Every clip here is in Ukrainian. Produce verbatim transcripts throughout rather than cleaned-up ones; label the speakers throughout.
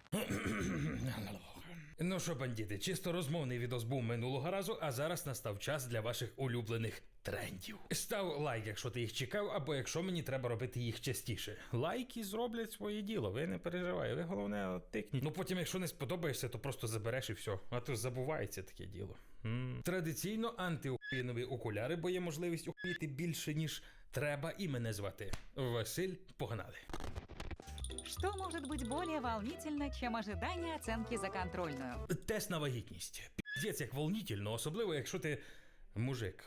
Speaker 1: Ну що, бандити, чисто розмовний відос був минулого разу, а зараз настав час для ваших улюблених трендів. Став лайк, якщо ти їх чекав, або якщо мені треба робити їх частіше. Лайки зроблять своє діло, ви не переживайте, ви головне тикніть. Ну потім, якщо не сподобаєшся, то просто забереш і все. А то забувається таке діло. М-м. Традиційно антиухуєнові окуляри, бо є можливість ухуїти більше, ніж треба, і мене звати Василь. Погнали.
Speaker 2: Что может быть более волнительно, чем ожидание оценки за контрольную?
Speaker 1: Тест на вагітність. Піздець як волнительно, особливо якщо ти мужик.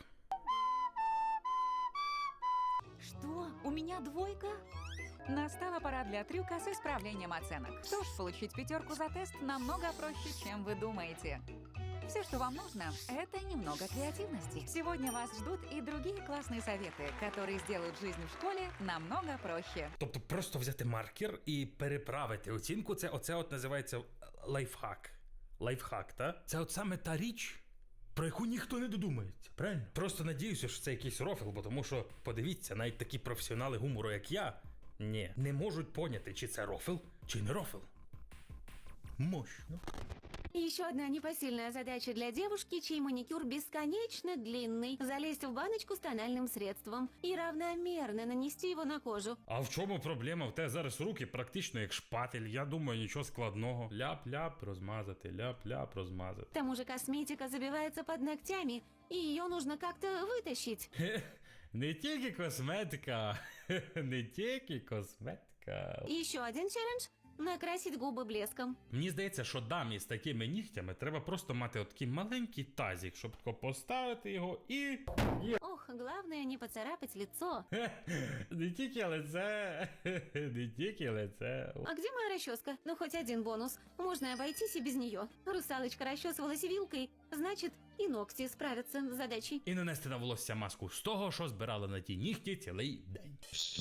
Speaker 2: Что? У меня двойка? Настала пора для трюка с исправлением оценок. Что ж, получить пятерку за тест намного проще, чем вы думаете. Все, что вам нужно, это немного креативности. Сегодня вас ждут и другие классные советы, которые сделают жизнь в школе намного проще.
Speaker 1: Тобто просто взяти маркер і переправити оцінку, це оце от називається лайфхак. Лайфхак, та? Це от саме та річ, про яку ніхто не додумається, правильно? Просто надіюся, що це якийсь рофл, бо тому що, подивіться, навіть такі професіонали гумору, як я, ні, не можуть поняти, чи це рофл, чи не рофл. Мощно.
Speaker 3: Еще одна непосильная задача для девушки, чей маникюр бесконечно длинный. Залезть в баночку с тональным средством и равномерно нанести его на кожу.
Speaker 1: А в чому проблема? В тебе зараз руки практично як шпатель, я думаю, нічого складного. Ляп-ляп розмазати, ляп-ляп розмазати.
Speaker 3: К тому же косметика забивается под ногтями, и ее нужно как-то вытащить.
Speaker 1: Не тільки косметика, не тільки косметика.
Speaker 3: И еще один челлендж – накрасить губы блеском.
Speaker 1: Мені здається, що дамі з такими нігтями треба просто мати отакий маленький тазик, щоб тако поставити його і...
Speaker 3: Ох, главное не поцарапать лицо.
Speaker 1: Не тільки лице, не тільки лице.
Speaker 3: А где моя расческа? Ну, хоть один бонус. Можно обойтись и без нее. Русалочка расчесывалась вилкой, значит, и ногти справятся с задачей.
Speaker 1: І нанести на волосся маску з того, що збирала на ті нігті цілий день.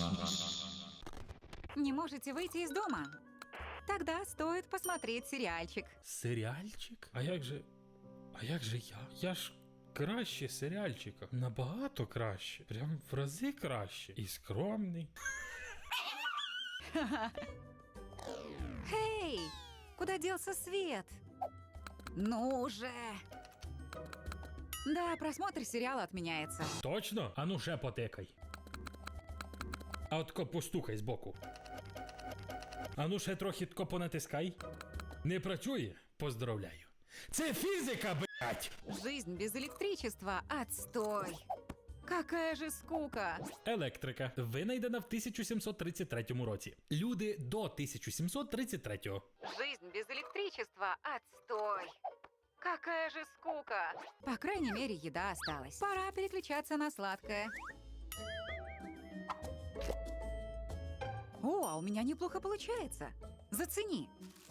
Speaker 2: Не можете выйти из дома? Тогда стоит посмотреть сериальчик.
Speaker 1: Серіальчик? А як же... А як же я? Я ж краще серіальчика. Набагато краще. Прям в рази краще. І скромний.
Speaker 2: Эй, куда делся свет? Ну же! Да, просмотр сериала отменяется.
Speaker 1: Точно? А ну ще потикай. А от ко постукай збоку. А ну ще трохи тако понатискай. Не працює? Поздравляю. Це фізика, блять!
Speaker 2: Жизнь без электричества – отстой. Какая же скука!
Speaker 1: Електрика. Винайдена в тисяча сімсот тридцять третьому році. Люди до тисяча сімсот тридцять третього.
Speaker 2: Жизнь без электричества – отстой. Какая же скука! По крайней мере, еда осталась. Пора переключаться на сладкое. О, а у меня неплохо получается. Зацени.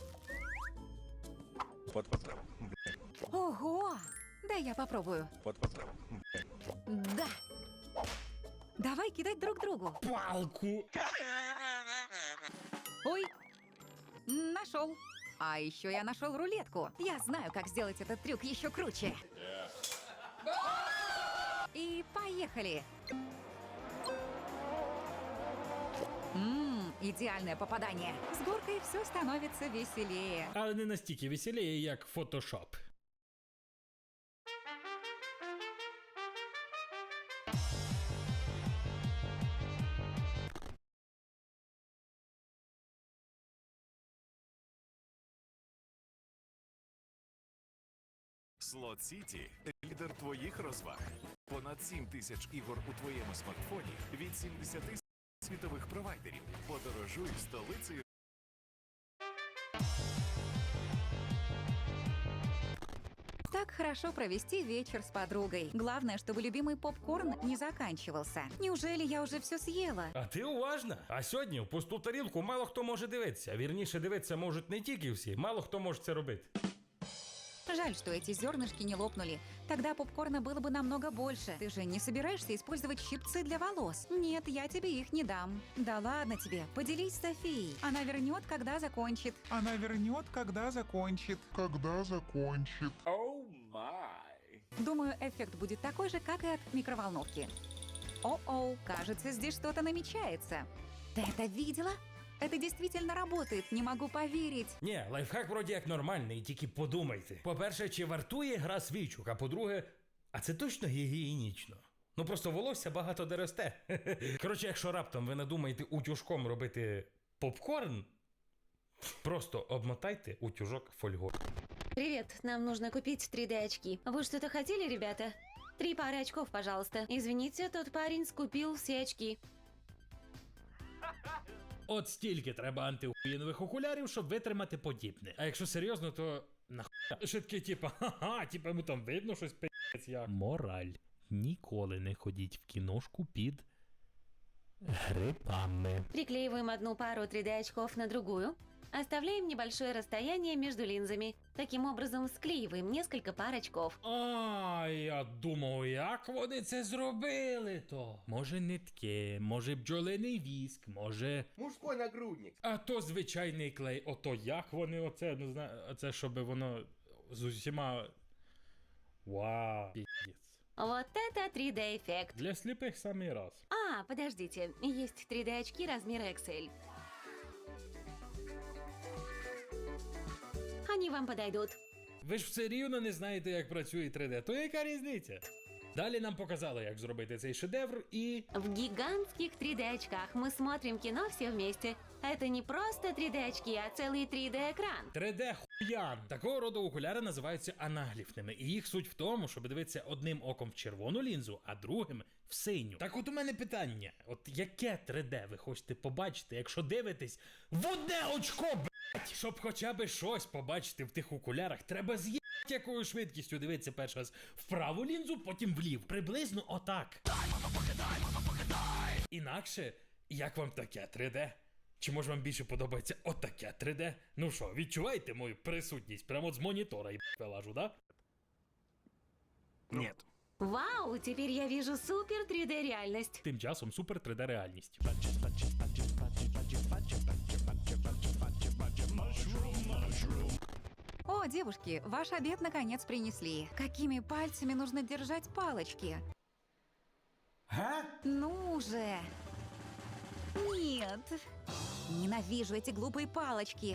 Speaker 4: Вот, вот,
Speaker 2: Ого! Дай я попробую.
Speaker 4: вот, вот.
Speaker 2: Да. Давай кидать друг другу.
Speaker 1: Палку!
Speaker 2: Ой, нашел. А еще я нашел рулетку. Я знаю, как сделать этот трюк еще круче. И поехали. Ммм, идеальное попадание. С горкой все становится веселее.
Speaker 1: Але не настільки веселіє, як фотошоп.
Speaker 5: Слот Сіті – лідер твоїх розваг. Понад сім тисяч ігор у твоєму смартфоні від сімдесяти світових провайдерів. Подорожуй столицею.
Speaker 2: Так хорошо провести вечер с подругой. Главное, чтобы любимый попкорн не заканчивался. Неужели я уже все съела?
Speaker 1: А ти уважна? А сьогодні в пусту тарілку мало хто може дивитися. Вірніше, дивитися можуть не тільки всі, мало хто може це робити.
Speaker 2: Жаль, что эти зернышки не лопнули. Тогда попкорна было бы намного больше. Ты же не собираешься использовать щипцы для волос? Нет, я тебе их не дам. Да ладно тебе, поделись с Софией. Она вернет, когда закончит.
Speaker 6: Она вернет, когда закончит. Когда закончит.
Speaker 2: Думаю, эффект будет такой же, как и от микроволновки. О-оу, кажется, здесь что-то намечается. Ты это видела? Это действительно работает, не могу поверить.
Speaker 1: Ні, лайфхак вроді як нормальний, тільки подумайте. По-перше, чи вартує гра свічок, а по-друге, а це точно гігієнічно? Ну просто волосся багато де росте. Коротше, якщо раптом ви надумаєте утюжком робити попкорн, просто обмотайте утюжок фольгою.
Speaker 3: Привет, нам нужно купить три дэ очки. Вы что-то хотели, ребята? Три пары очков, пожалуйста. Извините, тот парень скупил все очки.
Speaker 1: От стільки треба антиухуєнових окулярів, щоб витримати подібне. А якщо серйозно, то нахуя? Ще таке, типа, ха-ха, типа йому там видно щось пи***ць як. Мораль. Ніколи не ходіть в кіношку під грибами.
Speaker 3: Приклеиваем одну пару три дэ очков на другую. Оставляем небольшое расстояние между линзами. Таким образом, склеиваем несколько пар очков.
Speaker 1: А, я думав, як вони це зробили то? Може нитки, може бджолиний віск, може...
Speaker 4: Мужской нагрудник.
Speaker 1: А то звичайний клей. Ото як вони оце, ну знаю, оце, щоб воно з усіма... Вау, піздець.
Speaker 3: Вот это три дэ эффект.
Speaker 1: Для сліпих самий раз.
Speaker 3: А, подождите, есть три дэ очки размера икс эль. Они вам подойдут.
Speaker 1: Ви ж все рівно не знаєте, як працює три дэ, то яка різниця? Далі нам показали, як зробити цей шедевр і...
Speaker 3: В гигантских три дэ очках мы смотрим кино все вместе. Это не просто три дэ очки, а целый три дэ экран.
Speaker 1: три дэ хуян. Такого роду окуляри називаються анагліфними, і їх суть в тому, щоб дивитися одним оком в червону лінзу, а другим в синю. Так от у мене питання, от яке три дэ ви хочете побачити, якщо дивитесь в одне очко, блять? Щоб хоча б щось побачити в тих окулярах, треба з'їбати якою швидкістю дивитися перший раз в праву лінзу, потім влів. Приблизно отак. Інакше, як вам таке три дэ? Чи може вам більше подобається отаке три дэ? Ну що, відчуваєте мою присутність прямо от з монітора і вилажу, да?
Speaker 5: Нет.
Speaker 3: Вау, теперь я вижу супер три дэ реальность.
Speaker 1: Тим часом супер три дэ реальність.
Speaker 2: О, девушки, ваш обед наконец принесли. Какими пальцами нужно держать палочки?
Speaker 1: Га?
Speaker 2: Ну же! Нет! Ненавижу эти глупые палочки.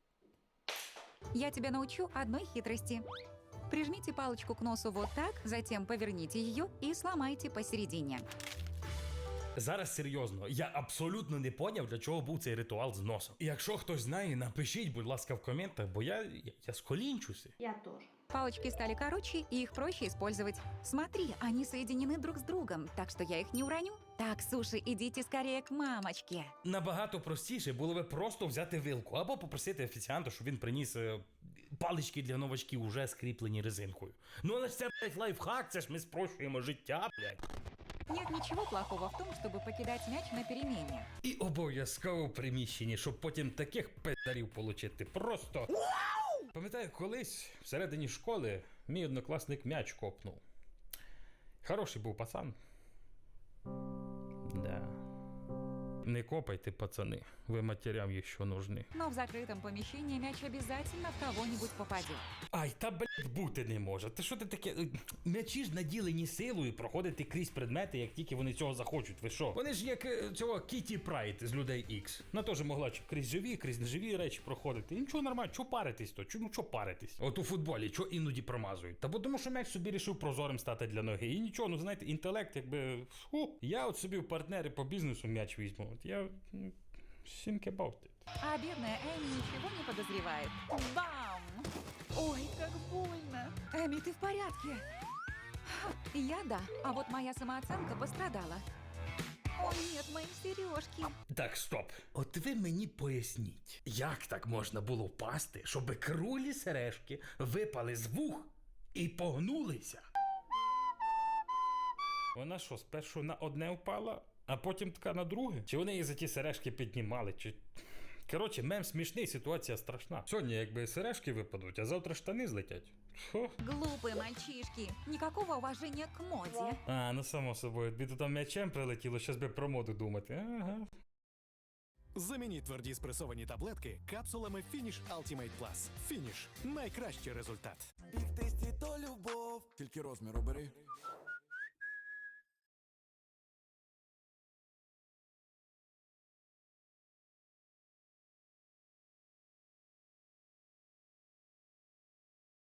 Speaker 2: Я тебя научу одной хитрости. Прижмите палочку к носу вот так, затем поверните ее и сломайте посередине.
Speaker 1: Зараз серйозно, я абсолютно не поняв, для чого був цей ритуал з носом. І якщо хтось знає, напишіть, будь ласка, в коментах, бо я, я, я сколінчуся.
Speaker 2: Палочки стали короче, и их проще использовать. Смотри, они соединены друг с другом, так что я их не уроню. Так, суши, идите скорее к мамочке.
Speaker 1: Набагато простіше було би просто взяти вилку або попросити офіціанта, щоб він приніс е, палички для новачків, уже скріплені резинкою. Ну але ж це, блядь, лайфхак, це ж ми спрощуємо життя, блядь.
Speaker 2: Нет ничего плохого в том, чтобы покидать мяч на перемене.
Speaker 1: І обов'язково в приміщенні, щоб потім таких пиздарів получити. Просто. Пам'ятаю, колись всередині школи мій однокласник м'яч копнув. Хороший був пацан. Да. Не копайте, пацани, ви матерям еще нужны.
Speaker 2: Но в закрытом помещении мяч обязательно в кого-нибудь попадет.
Speaker 1: Ай, та блядь, бути не може. Та що ти таке? М'ячі ж наділені силою проходити крізь предмети, як тільки вони цього захочуть. Ви що? Вони ж як е, цього Кіті Прайд з людей Ікс. Вона теж могла чи крізь живі, крізь неживі речі проходити. І нічого нормально, чого паритись то? Чому чого паритись? От у футболі, чого іноді промазують? Та бо тому, що м'яч собі рішив прозорим стати для ноги. І нічого, ну знаєте, інтелект якби. Фу. Я от собі в партнери по бізнесу м'яч візьму. От я. м, think about it.
Speaker 2: А бедная Эми ничего не подозревает. Бам! Ой, как больно. Эми, ты в порядке? Ха, я да, а вот моя самооценка пострадала. О нет, мои сережки.
Speaker 1: Так, стоп. От ви мені поясніть, як так можна було впасти, щоб круглі сережки випали з вух і погнулися? Вона що, спершу на одне впала, а потім така на друге? Чи вони її за ті сережки піднімали, чи... Коротше, мем смішний, ситуація страшна. Сьогодні якби сережки випадуть, а завтра штани злетять. Фу.
Speaker 2: Глупые мальчишки. Никакого уважения к моде.
Speaker 1: А, ну само собою, тобі тут там м'ячем прилетіло, щас би про моду думати. Ага.
Speaker 5: Замініть тверді спресовані таблетки капсулами Finish Ultimate Plus. Finish – найкращий результат.
Speaker 7: Бік тесті то любов. Тільки розмір обери.